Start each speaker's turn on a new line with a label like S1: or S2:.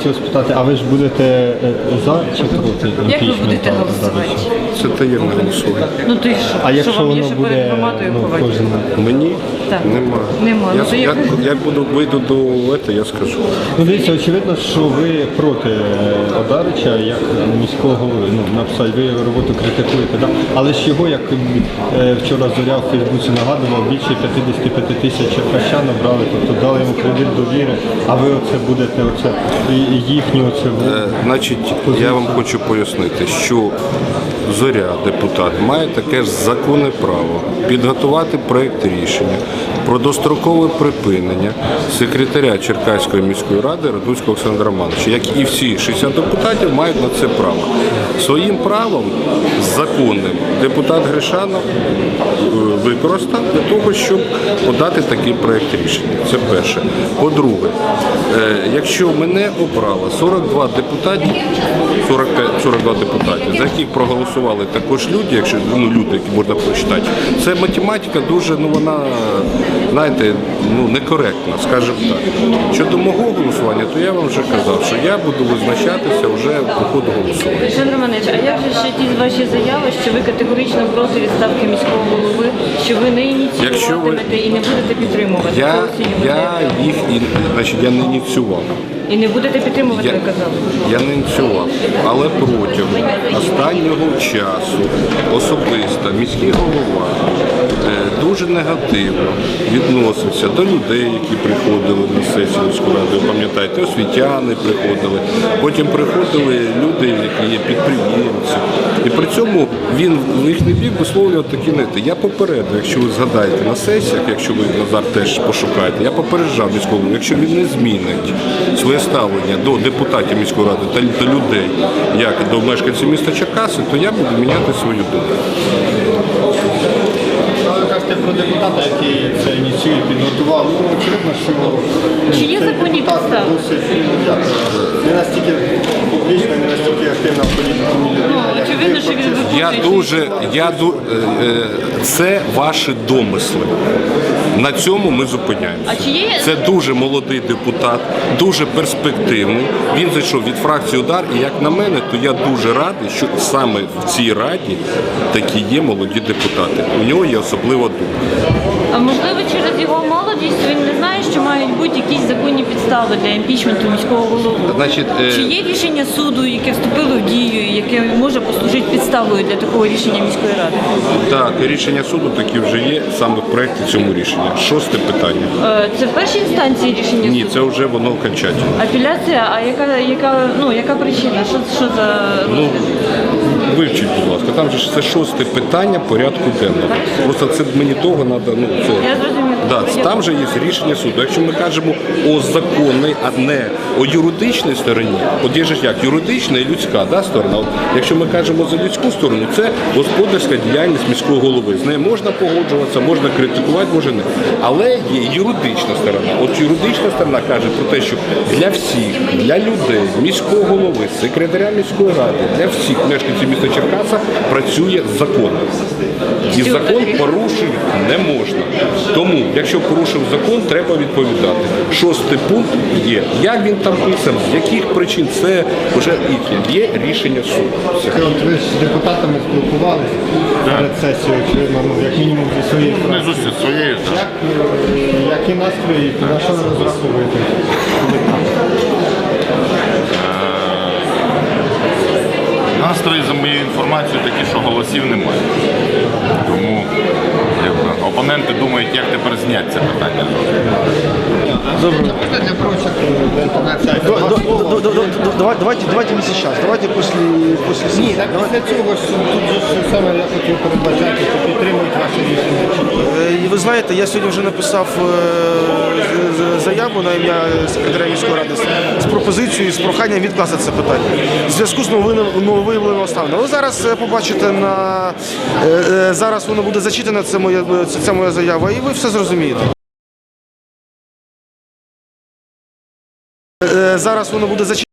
S1: хотів спитати, а ви ж будете за чи проти?
S2: Як ви будете голосувати?
S3: Це таємне голосування.
S2: Ну то й що?
S1: А
S2: Що
S1: якщо
S2: вам є
S1: воно
S2: що перед
S1: буде
S2: громадою ховати?
S1: кожен?
S3: Мені
S2: Так.
S3: нема.
S2: Нема. Ну, то
S3: Як вийду до цього, я скажу.
S1: Ну дивіться, очевидно, що ви проти Одарича, як міського голови. Ну, написати, ви його роботу критикуєте, да? Але ж його, як вчора Зоря в Фейсбуці нагадував, більше 55 тисяч черкащан обрали, тобто дали йому кредит довіри, а ви оце будете, їхню оце...
S3: Значить, я вам хочу пояснити, що Зоря, депутат, має таке ж законне право підготувати проєкт рішення про дострокове припинення секретаря Черкаської міської ради Радуцького Олександра Романовича, як і всі 60 депутатів мають на це право. Своїм правом законним депутат Гришанов використав для того, щоб подати такий проєкт рішення. Це перше. По-друге, якщо мене обрало 42 депутатів, за яких проголосували також люди, якщо люди, які можна прочитати, це математика дуже, вона, знаєте, некоректна, скажімо так. Щодо мого голосування, то я вам вже казав, що я буду визначатися вже по ходу голосування.
S2: Олександр Романович, а як же ще ті ваші заяви, що ви категорично проти відставки міського голови, що ви не ініціюватимете і не будете підтримувати?
S3: Я не ініціював.
S2: І не будете підтримувати, ви казали?
S3: Я не ініціював, але протягом останнього часу особисто міський голова дуже негативно відносився до людей, які приходили на сесію міської ради. Ви пам'ятаєте, освітяни приходили, потім приходили люди, які є підприємці. І при цьому він в їхній бік висловлював такі нети. Я попередив, якщо ви згадаєте на сесіях, якщо ви, Назар, теж пошукаєте, я попереджав міського голову, якщо він не змінить своє ставлення до депутатів міської ради та до людей, як до мешканців міста Черкаси, то я буду міняти свою думку.
S1: Ви кажете про депутата, який це ініціює, підготував. Очевидно, що
S2: Чи є законні підстави?
S1: Не настільки публічна, не настільки активна в політиці людина, як
S2: Очевидно, що він
S3: Це ваші домисли. На цьому ми зупиняємося.
S2: А чи є...
S3: Це дуже молодий депутат, дуже перспективний. Він зайшов від фракції «Удар», і як на мене, то я дуже радий, що саме в цій раді такі є молоді депутати. У нього є особлива думка.
S2: А можливо, через його молодість він не знає, що мають бути якісь законні підстави для імпічменту міського голови?
S3: Значить,
S2: Чи є рішення суду, яке вступило в дію, і яке може послужити підставою для такого рішення міської ради?
S3: Так, рішення суду такі вже є саме в проєкті цьому рішення. 6 питання.
S2: Це в першій інстанції рішення суду?
S3: Ні, це вже воно окончательне.
S2: Апеляція, а яка причина? Що за...
S3: Вивчіть, будь ласка, там же це 6 питання порядку денного. Просто це мені того треба,
S2: Я зрозуміла.
S3: Да, там же є рішення суду. Якщо ми кажемо о законній, а не о юридичній стороні, от є ж як юридична і людська сторона. От, якщо ми кажемо за людську сторону, це господарська діяльність міського голови. З нею можна погоджуватися, можна критикувати, може не. Але є юридична сторона. От юридична сторона каже про те, що для всіх, для людей, міського голови, секретаря міської ради, для всіх мешканців міста Черкаса працює закон. І закон порушити не можна. Тому, якщо порушив закон, треба відповідати. 6 пункт є. Як він там писав, з яких причин, це вже їхнє. Є рішення суду.
S1: ви з депутатами спілкувалися перед сесією, очевидно, як мінімум зі своєю фракцією.
S4: Не зі своєю, так.
S1: Які настрої, на що ви розраховуєте?
S4: Настрої, за моєю інформацією, такі, що голосів немає. Тому опоненти думають, як тепер зняти це питання.
S1: Для прочих, для інформації.
S5: Давайте не сейчас, давайте после
S1: Ні, так після цього ж тут же саме я хотів передбачати, що підтримують ваше рішення.
S5: Ви знаєте, я сьогодні вже написав заяву на ім'я секретаря міської ради з пропозицією, з проханням відкласти це питання в зв'язку з нововиявленими обставинами. Ви зараз побачите, зараз воно буде зачитано, це моя заява, і ви все зрозумієте. Зараз воно буде зачитано.